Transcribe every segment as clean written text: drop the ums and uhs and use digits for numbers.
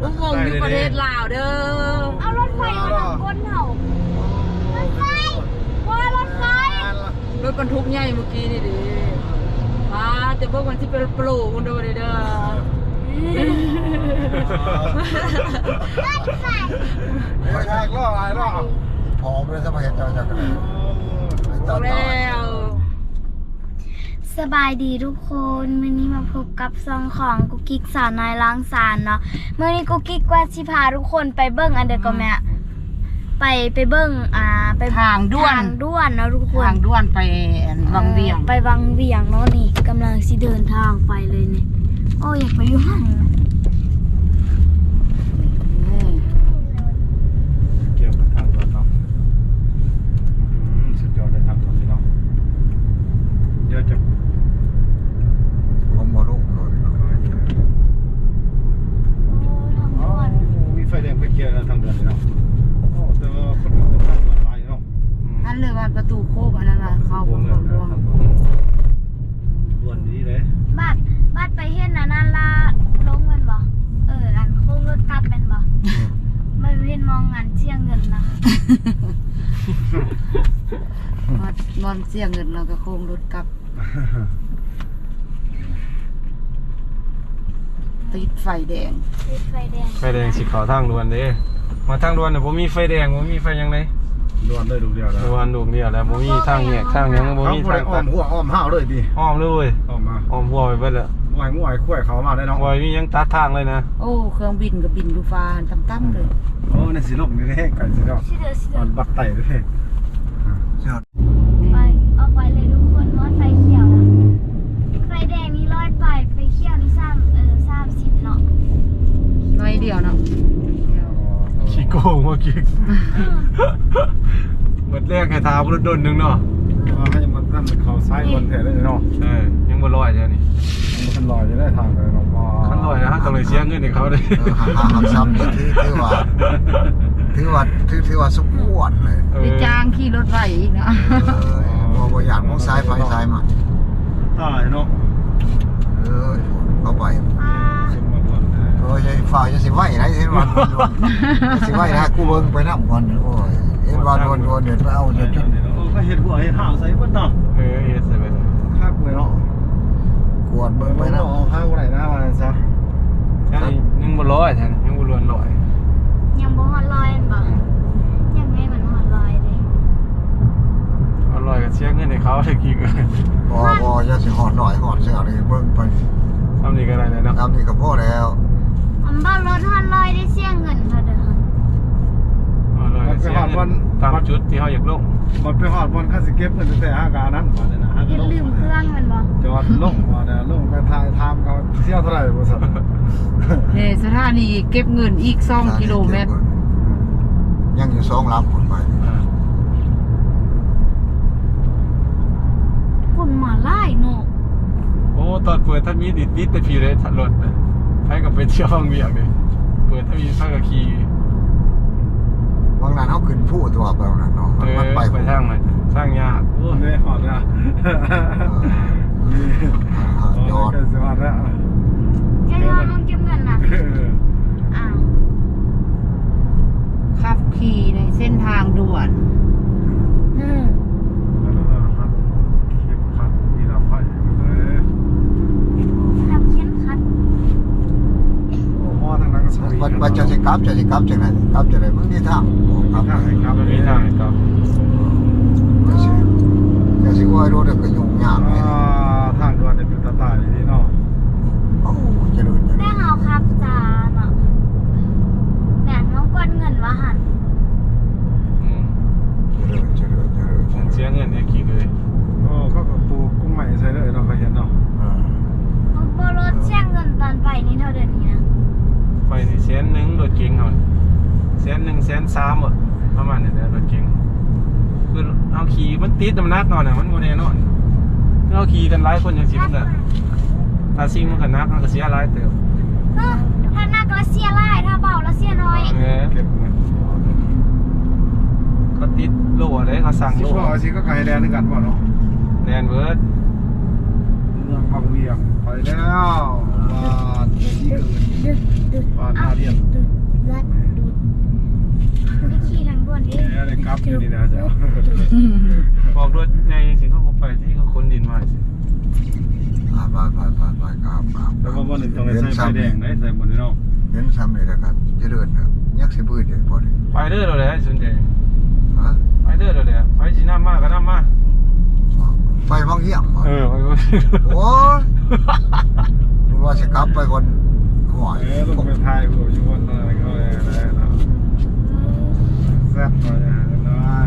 อุโมงค์อยู่ประเทศลาวเด้อเอารถไฟมาทางก้นเห่ารถไฟว่ารถไฟรถบรรทุกใหญ่เมื่อกี้นี่ดิมาแต่พวกมันที่เป็นโปรคุณดูดิเด้อรถไฟไม่ใช่ล่ออะไรล่อผอมเลยสมัยเจ้ากันแล้วสบายดีทุกคนวันนี้มาพบกับซองของกุ๊กกิ๊กสาวน้อยล้างสารเนาะเมื่อนี้กุ๊กกิ๊กว่าสิพาทุกคนไปเบิ้งอันเดอร์ก็แม่ไปเบิ้งไปทางด่วนเนาะทุกคนทางด่วนไปวังเวียงไปวังเวียงเนาะนี่กำลังสิเดินทางไปเลยเนี่ยโอ้อยากไปอยู่ห้องเกี่ยวกับทางด่วนเนาะสุดยอดเลยทางด่วนเนาะเยอะจังผมมาลูกเลยมีไฟแดงไฟเขียวทางด่วนเนาะแต่ว่าคนอื่นทางด่วนหลายเนาะนั่นเลยว่าประตูโคกอันนั้นน่ะเข้าของด่วนด่วนดีเลยบ้านไปเฮ็ดนั่นละลงมันบ่อันโค้งรถกลับเป็นบ่มันเห็นมองงานเชี่ยงเงินนะนอนเสี่ยงเงินเราก็โค้งรถกลับติดไฟแดงไฟแดงสิขาวทางด่วนเด้มาทางด่วนเนี่ยผมมีไฟแดงผมมีไฟยังไงด่วนเลยดูเดียวแล้วด่วนดูเดียวแล้วผมมีทางแยกทางยังผมมีทางอ้อมหัวอ้อมห้าวเลยดิอ้อมเลยอ้อมมาอ้อมหัวไปเบิดเลยมวยคุ้ยเขามาได้น้องมวยมียังตัดทางเลยนะโอ้เครื่องบินกับบินดูฟ้าต่ำๆเลยโอ้ในสิลกนี่แห้งไก่สิเนาะมันบักไต่เลยไปเลยทุกคนว่าไฟเขียวนะไฟแดงนี่ร้อยไปไฟเขียวนี่30เนาะน้อยเดียวเนาะขี้โกงเมื่อกี้หมดแรกให้ทาบรถดนนึงเนาะให้ยังมันตั้งเขาซ้ายบนแถวได้เนาะยังบนลอยใช่นี่มันลอยจะได้ทางเลยเนาะขั้นลอยนะฮะต้องเลยเสียเงินให้เขาเลยหักซ้ำนี่ถือว่าสุขวดเลยไปจ้างขี่รถไฟอีกเนาะบ่อยากมองซ้ายไปซ้ายมาตายเนาะเข้าไปจะฝ่ายจะสิไหวไหนเห็นวันสิไหวนะกูเบิ่งไปน้ำก่อนโอ้ยเห็นวันเดินไปเอาเดินก็เห็ดหัวเห็ดห่างใส่เบิ้ลเนาะเห็ดใส่เบิ้ลข้าวเลยเนาะกวดเบิ่งไปน้ำข้าวไหนนะมาซะยังบ่ลอยแทนยังบ่ล้วนลอยยังบ่ฮอดลอยบ่ยังไงมันฮอดลอยเลยเอาลอยกับเชียงเงินให้เขาได้กี่กันบ่จะสิหอดหน่อยหอดเสียเลยเบิ่งไปทำนี่ก็ได้เลยเนาะทำนี่ก็พอแล้วบ้านรถฮอดลอยได้เสียเงินเท่าเดิมมันไปหอดวันตามจุดที่เขาอยากลงมันไปหอดวันข้าสิเก็บเงินแต่5 กานั้นมาเลยนะอย่าลืมเครื่องมันบ่จอดลงมาเนี่ยลงไปทายทามเขาเที่ยวเท่าไหร่บริษัทสถานีเก็บเงินอีก2 กิโลเมตรยังอยู่2 ลำคนไปคนมาไล่เนาะโอ้ตอนเปิดถ้ามีดิดแต่พี่เลยถัดรถให้กับไปเที่ยวห้องเวียงเลยเปิดถ้ามีข้างกับขี่บางนั้นเขาขึ้นผู้ตัวแบบนั้นเนาะมันไปช่างมันช่างยากโอ้ไม่หอดนะยอดสวัสดียังรอลงเก็บเงินนะขับขี่ในเส้นทางด่วนว่าจะสิกลับจังไหนกลับจังไหนมึงนี่ทางครับมีทางครับจะสิว่ารู้เด็กก็ยุ่งยากเลยทางด่วนเนี่ยเป็นตาอย่างนี้เนาะโอ้จะเดินได้เอาครับจ้าเนาะแต่น้องกวนเงินว่าหันเสียเงินเนี่ยกี่เลยโอ้เขาก็ปูกุ้งใหม่ใช่เลยเราก็เห็นเนาะโบรถเสียเงินตอนไปนี่เท่าเดิมนี้นะไปนี่100,000รถเก๋งเขา100,000 130,000ประมาณนี้แหละรถเก๋งคือเอาขี่มันติดน้ำหนักเนาะมันโมเดลเนาะเอาขี่กันหลายคนอย่างสิมันก็ถ้าซิ่งมันก็นักมันก็เสียหลายเติบถ้านักแล้วเสียหลายถ้าเบาแล้วเสียน้อยก็ติดโล่เลยเขาสั่งโล่สิก็ไกลแดนนึงกันป่ะเนาะแดนเวิร์ดเมืองบางเวียงไปแล้วบ้านที่อื่นบ้านนาเดียนรัดดูดขี่ทางด่วนดิอะไรครับอยู่นี่นะเจ้าบอกรถในสิเขาบอกไปที่เขาคนดินมาสิไปครับแต่ว่าวันหนึ่งต้องใส่ไฟแดงได้ใส่บนนี้เนาะเห็นซ้ำเลยนะครับจะเดินครับยักษ์สิบื้อเดี๋ยวพอดีไปเด้อเราเลยสนใจฮะไปเด้อเราเลยไปสีน้ำมากก็น้ำมากไปบางเยี่ยมเออไปโอ้ว่าจะกลับไปคนหัวต้องไปถ่ายรูปอยู่บนอะไรก็เลยนะแซ่บหน่อยนะ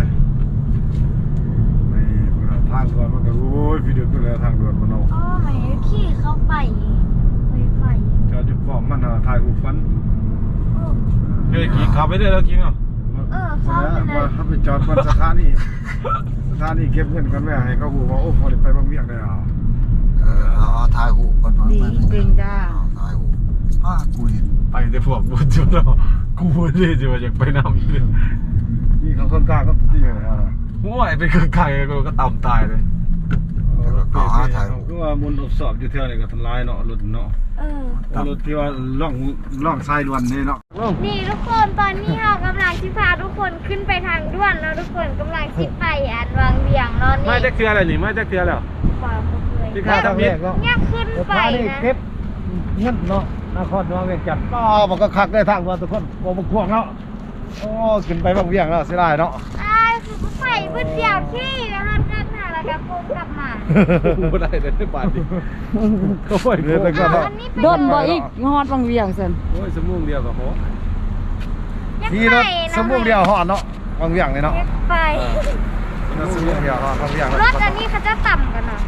ไม่ทางด่วนมันก็โอ้ยพี่เดือดไปแล้วทางด่วนมันเอาอ๋อหมายขี่เข้าไปไฟจอดอยู่ป้อมมันถ่ายรูปฟันเฮ้ยกินขับไปเด้อแล้วกินเหรอเข้าไปเลยว่าเขาไปจอดบนสถานีเก็บเงินกันแม่ให้เขาบอกว่าโอ้พอได้ไปบางเวียงได้เอาเอาถ่ายหูก่อนดีเก่งจ้าถ่ายหูกูเห็นไปแต่พวกบุญจุดเนาะกูเลยจะว่าอยากไปน้ำอีกเลยนี่เขาต้นกล้าก็ที่ไหนอ่ะโอ้ยไปเครื่องไก่ก็ต่ำตายเลยคือว่าบนทดสอบอยู่เท่าไหร่ก็ทำลายเนาะรถเนาะรถที่ว่าล่องทรายล้วนนี่เนาะนี่ทุกคนตอนนี้เรากำลังที่พาทุกคนขึ้นไปทางด่วนแล้วทุกคนกำลังที่ไปวางเวียงแล้วนี่ไม่จะเคลียร์อะไรนี่ไม่จะเคลียร์แล้วปล่อยเขาเลยที่ข้าทำมิดเนี่ยขึ้นไปนะเก็บเงินเนาะนครน้องเวียงจันทร์มันก็คักได้ทางว่าทุกคนบ่บ่ควงแล้วโอ้ขึ้นไปบางเวียงแล้วเสียดายเนาะใช่คือไปเพื่อเดียวที่นะคะกันหาแล้วก็โค้งกลับมากูได้เลยบาทดิเขาไปเรือตะก้อนเนาะอันนี้โดนบ่อีกฮอดบางเวียงซั่นโอ้ยสมุงเดียวกับเขาขี่รถสมมุติเดียวหอดเนาะบางเวียงเลยเนาะไปรถสมมุติเดียวหอดบางเวียงรถอันนี้เขาจะต่ำกันเนาะ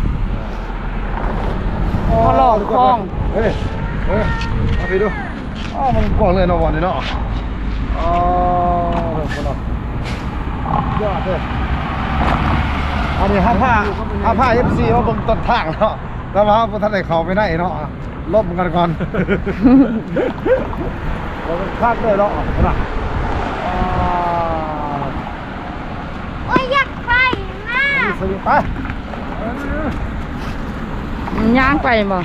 เขาหลอกคล้องเฮ้ยเอาไปดูอ๋อมันกว้างเลยเนาะวันนี้เนาะอ๋อคนเนาะยอดเลยอันนี้ห้าผ้า FC ว่าเบิ่งต้นทางเนาะแล้วว่าบ่ทันได้เข้าไปได้เนาะลบกันก่อนเราคาดเลยเนาะนะโอ้ยอยากไปนะสวิงไปย่างไปบ่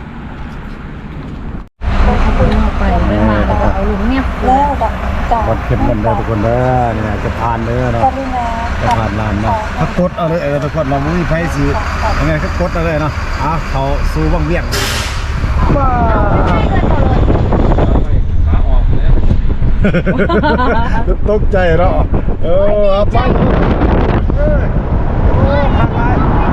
ไปไม่มาแล้วก็เอาลุงเนี่ยแล้วก็ต่อวัดเข็มกันได้ทุกคนเด้อนี่นะจะผ่านเด้อเนาะจะผ่านลานเนาะถ้ากดเอาเลยทุกคนเราไม่มีไฟสียังไงก็กดเอาเลยเนาะเขาสู้บังเวียงว้าขาออกเลยตกใจเนาะไปทางไป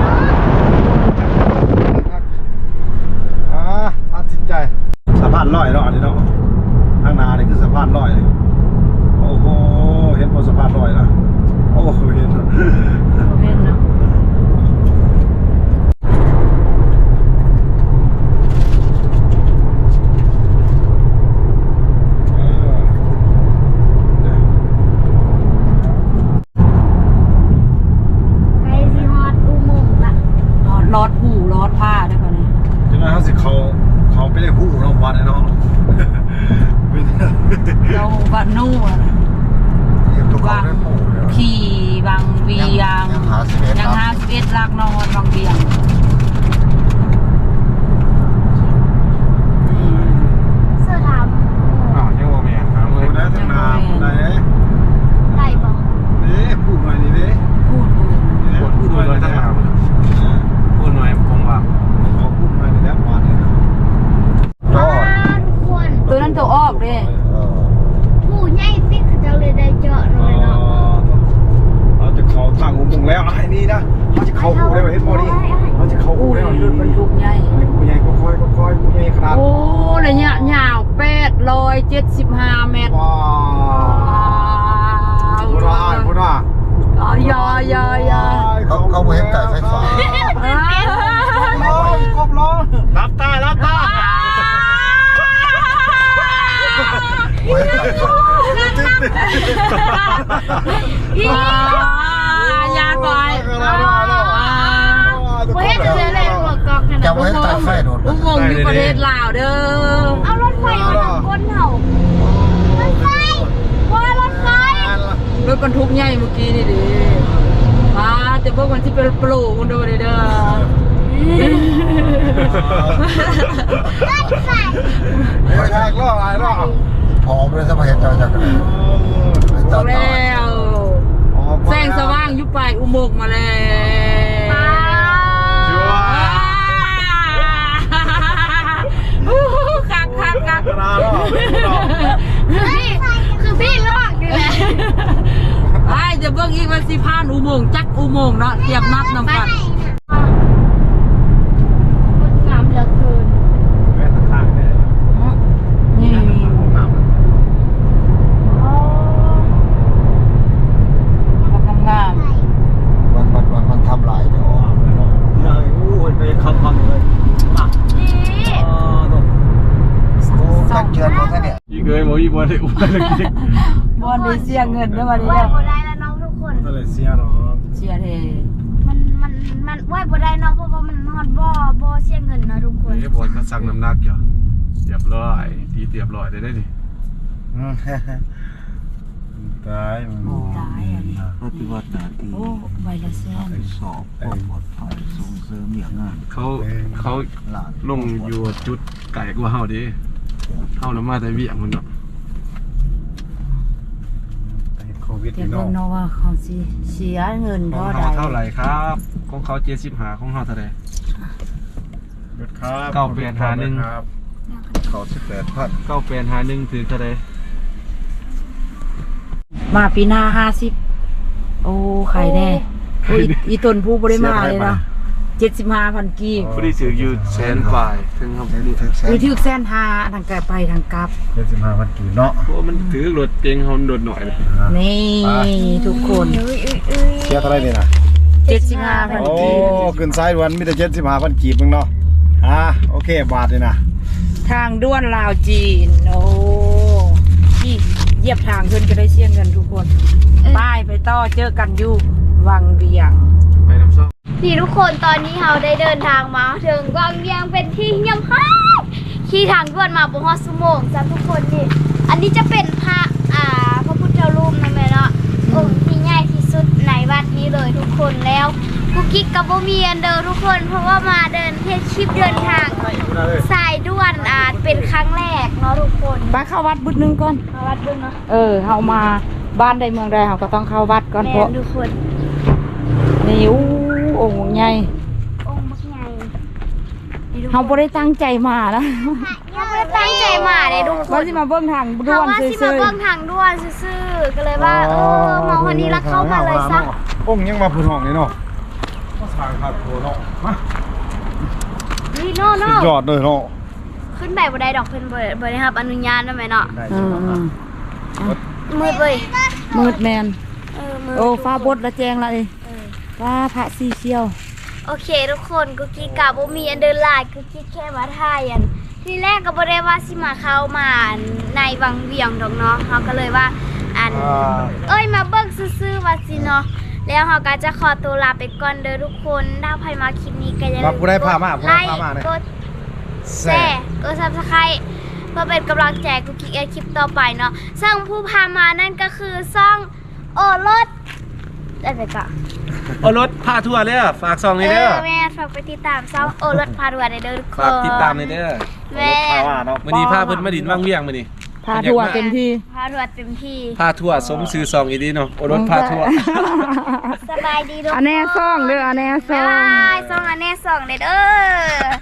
ตัดสินใจสะพานลอยเนาะอันนี้เนาะข้างหน้านี่คือสะพานลอยโอ้โหเห็นบนสะพานลอยนะโอ้โหเห็นเห็นเนาะไปสิฮอดอุโมงค์ละรอดหูรอดผ้าได้ป่ะเนี่ยจังไงเขาสิเขาไปเลยหูเนาะวันนี้เนาะเราบ้านนู่นทุกคนได้ปูเลยขี่บางเวียงยัง51ลักนอนบางเวียงเสื้อดยังโมเมียครับดูได้ทางนาได้ำไต่บอกนี่พูดหน่อยนี่ดิพูดพูดหน่อยเลยนะทั้งหาพูดหน่อยผมว่าเขาพูดหน่อยในแล้ววันนี้นะทุกคนตัวนั้นตัวออกเด้ผู้ใหญ่ติ๊กเขาจะเลยได้เจาะหน่อยเนาะเราจะเขาทางหุมงแล้วไอ้นี่นะเขาจะเขาหูได้เห็นบอดี้เขาจะเขาหูอู้ได้รถบรรทุกใหญ่หูใหญ่ก็ค่อยหูใหญ่ขนาดโอ้ระยะยาว875 เมตรว้าวพูดว่าพูดว่าอยาเขาเห็นไก่ไฟฟ้าครบล้อรับตารับตายาก่อยเฮ้ยจะเลยหัวกอกขนาดจะไว้ไต่ไฟโดดอุโมงค์อยู่ประเทศลาวเด้อเอารถไฟมาทางบนเหรอรถไฟว่ารถไฟรถบรรทุกใหญ่เมื่อกี้นี่ดิมาแต่พวกมันที่เป็นโปรมันดูเด้อเดี๋ยวทางล่ออะไรล่อผอมเลยสมัยเจ้าจักรเอาแล้วแสงสว่างยุบไปอุโมงค์มาแล้วชัวร์คักกระดาษล่อคือพี่ลอกอยู่แหละไอ้จะเบิ่งอีกว่าสิผ่านอุโมงค์จักอุโมงค์เนาะเตรียมนับนำกันงามเหลือเกินแม่ทางเนี่ยนี่น้ำงามมันทำหลายเดี๋ยวไปขับเลยนี่โอ้กันเชิญหมดซะเนี่ยอีกเลยบอกอีกวันเลยอุ้ยเลยกินบอนได้เสียเงินเด้อวันนี้ไหวเด้อบ่ได้แล้วน้องทุกคนก็เลยเสียหรอเสียเทมันไหวบ่ได้น้องเพราะว่ามันฮอดบ่เสียเงินนะทุกคนนี่บอลก็สั่งน้ำหนักอยู่เรียบร้อยตีเรียบร้อยได้ดิตายมันตายอันนี้ปฏิบัติหน้าที่โอ้ใบละแสนสอบความปลอดภัยส่งเสริมอย่างงานเขาลงอยู่จุดไก่กว่าเฮาดิเฮาละมาแต่เวียงมันเนาะโควิดเดี๋ยวนี่เบิ่เนาะงเนาะว่าเขาสิเสียเงินของเท่าใดเฮาเท่าไหร่ครับของเขา75ของเฮาเท่าใดหยุดครับ 9851 เขา18,000 9851ถือเท่าใดมาปีหน้า50โอ้ไข่แน่โอ้ยอีต้นผู้บ่ได้มาเลยเนาะ75,000กีบผู้ที่ถืออยู่แสนปลายถึงครับหรือที่แสนห้าทางไกลไปทางกลับ 75,000กีบเนาะเพราะมันถือรถเก่งเฮาโดดหน่อยเลยนี่ทุกคนเสียเท่าไหร่นี่นะ 75,000 โอ้กีบขึ้นซ้ายด่วนมีแต่75,000กีบนึงเนาะโอเคบาทเลยนะทางด้วนลาวจีนโอ้ที่เหยียบทางขึ้นก็ได้เสี่ยงกันทุกคนป้ายไปต่อเจอกันอยู่วังเวียงไปน้ำส้มนี่ทุกคนตอนนี้เราได้เดินทางมาถึงวังเวียงเป็นที่เยี่ยมค่ะขี่ทางด่วนมาบ่ฮอดชั่วโมงจ้ะทุกคนนี่อันนี้จะเป็นพระพระพุทธรูปนั่นแหละเนาะองค์ที่ใหญ่ที่สุดในวัดนี้เลยทุกคนแล้วกุ๊กกิ๊กกับบ่มีอันเดิมทุกคนเพราะว่ามาเดินเทศคลิปเดินทางสายด่วนเป็นครั้งแรกเนาะทุกคนไปเข้าวัดบุญนึงก่อนมาวัดเบิ่งเนาะเฮามาบ้านใดเมืองใดเฮาก็ต้องเข้าวัดก่อนเพแม่ราะนทุกคนนี่องค์ใหญ่องค์บักใหญ่นี่ทุกคนเฮาบ่ได้ตั้งใจมานะเราไม่ได้ตั้งใจมาเลยทุกคว่าน สิมาเบิ่งทางเพด่วราะนว่าสิซื่มาอเบิ่งทางด่วนซื่อๆก็เลยว่ามาวันนี้แล้วเข้ามาเลยซะองค์ยังมาพื้นห้องนี่เนาะมาสร้างขาดโถเนาะมานี่โน่โน่สุดยอดเลยเนาะขึ้นไปบ่ได้ดอกเพิ่นบ่ได้รับอนุญาตได้ไหมเนาะได้ๆอืมมืดเว้ยมืดแมนมืดโอ้ฟ้าบดละแจงละดิฟ้าพระสีเขียวโอเคทุกคนกุ๊กกิ๊กกะบ่มีอันเดินลายกุ๊กกิ๊กแค่มาถ่ายอันทีแรกก็บ่ได้ว่าสิมาเข้ามาในวังเวียงดอกเนาะเฮาก็เลยว่ามาเบิ่งซื่อๆว่าสิเนาะแล้วเฮาก็จะขอตัวลาไปก่อนเด้อทุกคนถ้าใครมาคลิปนี้ก็อย่าลืมาผู้ใดพามาผู้ไลใดค์พามาเนี่ยกดแชร์กด Subscribe เพื่อเป็นกำลังใจกุ๊กกิ๊กคลิปต่อไปเนาะซึ่งผู้พามานั่นก็คือซ่องโอรสได้ไปก่อนเอารถพาทัวร์เลยฝากซองนี่เด้อแม่ฝากไปติดตามซ่องโอรสพาดวนในเด้อทุกคนฝากติดตามเลยเด้อแม่พามาเนาะมื้อนี้พาเพิ่นมาดินว่างเวียงมื้อนี้พาทัวร์เต็มที่พาดวนเต็มที่พาทัวร์สมชื่อซองอีดีเนาะเอารถพาทัวร์สบายดีทุกคนอันแน่ซ่องเด้ออันแน่ซ่บ๊าอย งบายซ่องอันแน่ซ่องเด้อ